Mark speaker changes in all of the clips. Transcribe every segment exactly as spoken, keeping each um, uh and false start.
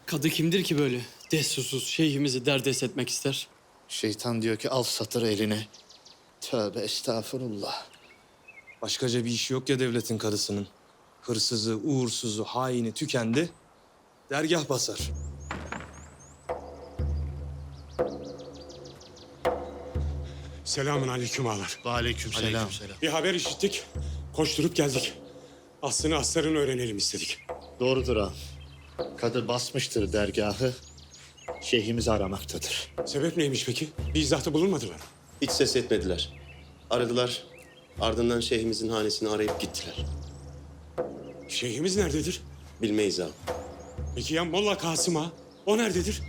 Speaker 1: Kadı kimdir ki böyle? Destursuz şeyhimizi derdest etmek ister.
Speaker 2: Şeytan diyor ki al satırı eline. Tövbe estağfurullah.
Speaker 3: Başkaca bir işi yok ya devletin karısının. Hırsızı, uğursuzu, haini tükendi. Dergah basar.
Speaker 4: Selamun aleyküm ağalar.
Speaker 2: Aleykümselam.
Speaker 4: Bir haber işittik. Koşturup geldik. Aslını aslarını öğrenelim istedik.
Speaker 2: Doğrudur ağam. Kadı basmıştır dergahı. Şeyhimizi aramaktadır.
Speaker 4: Sebep neymiş peki? Bir izahtı bulunmadılar mı?
Speaker 5: Hiç ses etmediler. Aradılar. Ardından şeyhimizin hanesini arayıp gittiler.
Speaker 4: Şeyhimiz nerededir?
Speaker 5: Bilmeyiz ağam.
Speaker 4: Peki ya Molla Kasım ağa? O nerededir?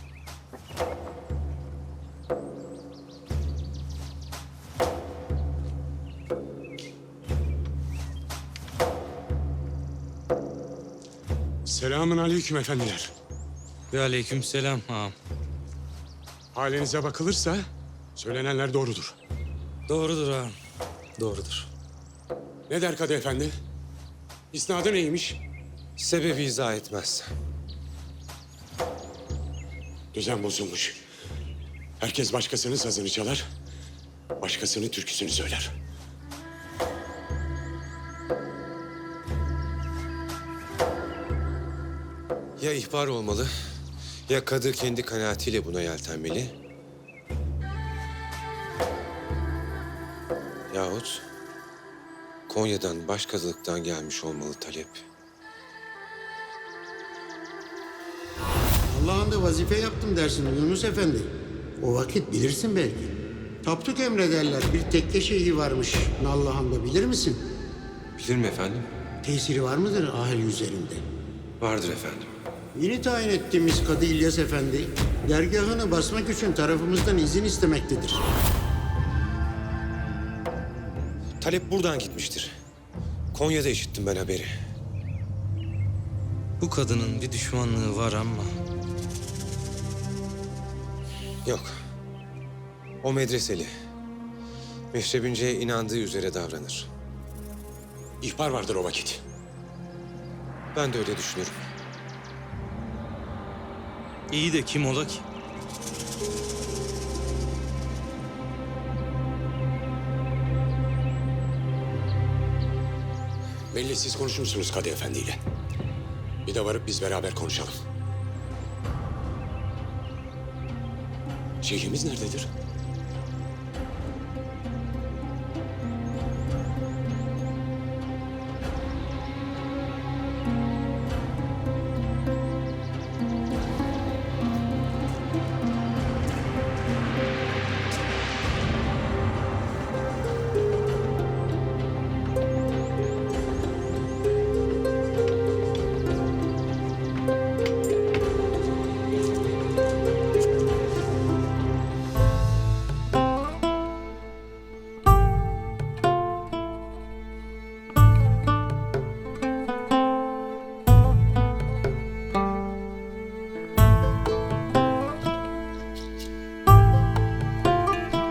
Speaker 4: Selamun aleyküm efendiler.
Speaker 6: Ve aleykümselam ağam.
Speaker 4: Halinize bakılırsa söylenenler doğrudur.
Speaker 6: Doğrudur ağam. Doğrudur.
Speaker 4: Ne der Kadı Efendi? İsnadı neymiş?
Speaker 7: Sebebi izah etmez.
Speaker 4: Düzen bozulmuş. Herkes başkasının sazını çalar, başkasının türküsünü söyler.
Speaker 7: Ya ihbar olmalı, ya kadı kendi kanaatiyle buna yeltenmeli. Yahut Konya'dan başkazılıktan gelmiş olmalı talep.
Speaker 8: Allah'ın da vazife yaptım dersin Yunus Efendi. O vakit bilirsin belki. Tapduk emrederler. Bir tekke şeyhi varmış Nallıhan'da, bilir misin?
Speaker 7: Bilirim efendim.
Speaker 8: Tesiri var mıdır ahali üzerinde?
Speaker 7: Vardır efendim.
Speaker 8: Yeni tayin ettiğimiz Kadı İlyas Efendi, dergahını basmak için tarafımızdan izin istemektedir.
Speaker 7: Talep buradan gitmiştir. Konya'da işittim ben haberi.
Speaker 6: Bu kadının bir düşmanlığı var ama
Speaker 7: Yok. O medreseli. Meşrebince inandığı üzere davranır.
Speaker 4: İhbar vardır o vakit.
Speaker 7: Ben de öyle düşünüyorum.
Speaker 6: iyi de kim ola ki?
Speaker 4: Belli siz konuşmuşsunuz Kadı Efendi ile. Bir de varıp biz beraber konuşalım. Şeyhimiz nerededir?